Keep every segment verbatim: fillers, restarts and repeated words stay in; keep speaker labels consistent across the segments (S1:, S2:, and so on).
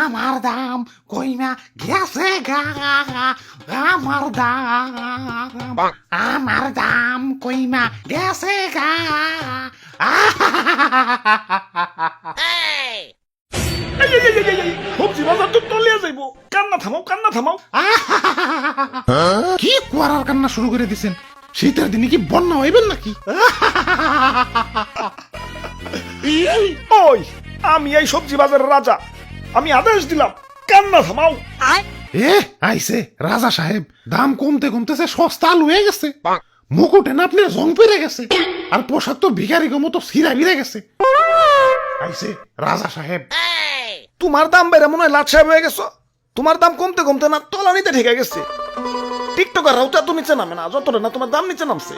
S1: আমার দাম কইমা গেছে গা, আমার দাম আমার দাম কইমা গেছে গা।
S2: সবজি বাজার তো তলিয়া যাইব, কান্না থামাও কান্না থামাও।
S1: কি কুয়ারার কান্না শুরু করে দিছেন? শীতের দিনে কি বন্যা হইবেন নাকি?
S2: ওই আমি এই সবজি বাজারের রাজা, আমি আদেশ দিলাম কান্না থামাও।
S1: এ আইছে রাজা সাহেব, দাম কমতে কমতেছে সস্তা আলু হয়ে গেছে, মুকুটে না আপনার জং পেরে গেছে, আর পোশাক তো ভিখারি মতো সিরা বিরে গেছে। আইছে রাজা সাহেব।
S2: তোমার দাম বেড়ে মনে হয় লাট সাহেব হয়ে গেছো। তোমার দাম কমতে কমতে না তলানিতে ঠেকে গেছে। টিকটকার রাউটা তো নিচে নামে না, যতটা না তোমার দাম নিচে নামছে।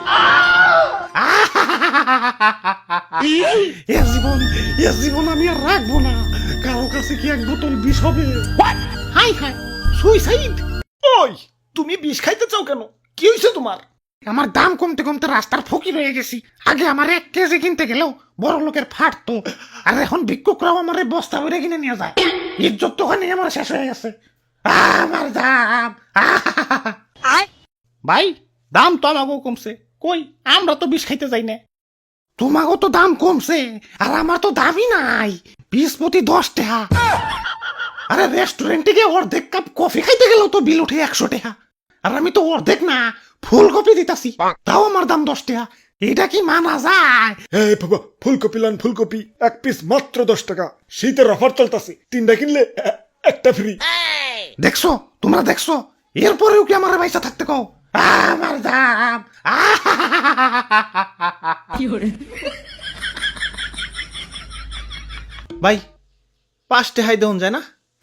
S1: এ জীবন এ জীবন আমি আর রাখবো না, কারো কাছে কি এক বোতল বিষ হবে? Hi hi, suicide!
S2: ওই তুমি বিষ খাইতে চাও কেন? কি হয়েছে তোমার?
S1: আমার দাম কমতে কমতে রাস্তার ফকির হয়ে গেছি। আগে আমার এক কেজি কিনতে গেলেও বড় লোকের ফাটতো, আর এখন ভিক্ষুকরাও আমার বস্তা ভরে কিনে নিয়ে যায়। ইজ্জত তো ওখানে আমার শেষ হয়ে গেছে। আমার দাম ভাই, দাম তো আমাকেও কমছে, কই আমরা তো বিষ খাইতে যাই না। তোমাকেও তো দাম কমছে, আর আমার তো দামই নাই, বিশ প্রতি দশ টাকা। আরে রেস্টুরেন্টে গিয়ে অর্ধেক কাপ কফি খাইতে গেলেও তো বিল উঠে একশো টাকা, আর আমি তো অর্ধেক না ফুলকপি দিতাছি, তাও আমার দাম দশ টাকা। এটা কি মানা যায়?
S2: এই বাবা, ফুলকপি লান ফুলকপি এক পিস মাত্র দশ টাকা। শীতের অফার চলতেছে, তিনটা কিনলে এ- একটা ফ্রি।
S1: দেখছো তোমরা দেখছো, এরপরেও কি আমার পয়সা থাকতে কও? আমার দাম
S3: ভাই পাঁচটে হাই দেওয়া যায় না?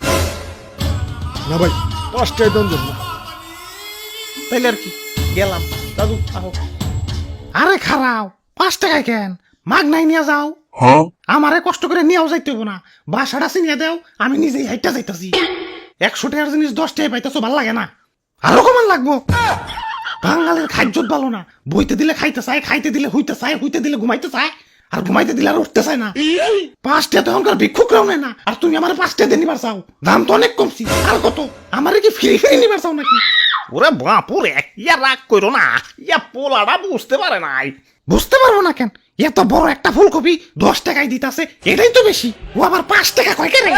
S2: না ভাই, পাঁচটায় দাম জন্য
S3: তাইলে আর কি, গেলাম। দাদু আহো।
S1: আরে খারাও, পাঁচ টাকায় কেন? মাগ নাই নিয়ে যাও। আমারে কষ্ট করে নিয়েও যাইতে হবো না, বাসাটা চিনিয়ে দেও, আমি নিজেই হাইটা যাইতাছি। একশো টাকার জিনিস দশ টাকায় পাইতেছো, ভাল লাগে না? আরো কমান লাগবো। বাঙালির খাদ্য ভালো না, বইতে দিলে খাইতে চায়, খাইতে দিলে হইতে চায়, হইতে দিলে ঘুমাইতে চায়, আর ঘুমাইতে দিলে আর উঠতে চায় না। পাঁচটা তো এখনকার ভিক্ষুকরাও নেয় না, আর তুমি আমার পাঁচটা দিয়ে নিবার চাও? দাম তো অনেক কমছি, আর কত? আমারে কি ফ্রি ফ্রি নিবার চাও নাকি?
S3: ওরে বাপুরে, ইয়া রাগ করো না, ইয়া পোলাটা বুঝতে পারে নাই।
S1: বুঝতে পারবো না কেন? এত বড় একটা ফুলকপি দশ টাকায় দিতাছে, এটাই তো বেশি। ও আবার পাঁচ টাকা কয় কেন?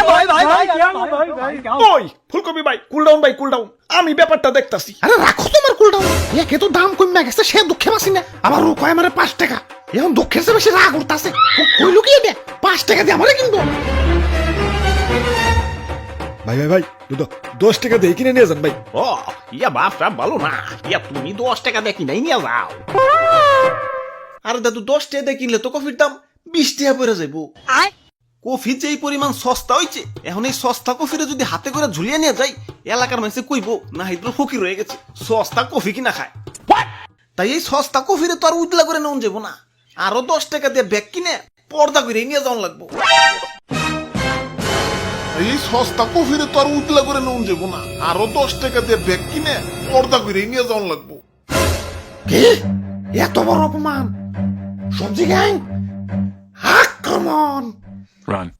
S2: ওই ফুলকপি ভাই, কুল ডাউন ভাই, কুল ডাউন, আমি ব্যাপারটা দেখতাছি।
S1: আরে রাখো তোমার কুলটাও, একে তো দাম কমে গেছে, সে দুঃখে বাসি না, আবার ও কয় আমারে পাঁচ টাকা। এখন দুঃখের চেয়ে বেশি রাগ উঠতাছে। কই লুকিয়ে দে, পাঁচ টাকা দিয়ে আমারে কিনবো।
S2: ভাই ভাই ভাই, দুটো দশ টাকা দিয়ে কিনে নিয়ে যান ভাই।
S3: ও ইয়া বাপটা ভালো না, ইয়া তুমি দশ টাকা দিয়ে কিনাই নিয়ে যাও। আরে দাদু, দশ টাকা দিয়ে কিনলে তো কফির দাম বিশ টাকা পড়ে যাইবো। কফি যে এই পরিমাণ সস্তা হইছে, এখন এই সস্তা কফিরে যদি হাতে করে ঝুলিয়ে নিয়ে যাই, এলাকার মানুষে কইবো না হিদ্র ফকির হয়ে গেছে, সস্তা কফি কিনা খায়। তাই এই সস্তা কফিরে তো আর উজলা করে নেওয়া যাবো না, আরো দশ টাকা দিয়ে ব্যাগ কিনে পর্দা করে নিয়ে যাওয়া লাগবো।
S4: এই সস্তা কফিরে তো আর উতলা করে নেওয়া যাবো না, আরো দশ টাকা দিয়ে ব্যাগ কিনে পর্দা করে নিয়ে যাওয়া লাগবো।
S1: কি এত বড় অপমান! সবজি গ্যাং আক্রমণ!
S5: Run.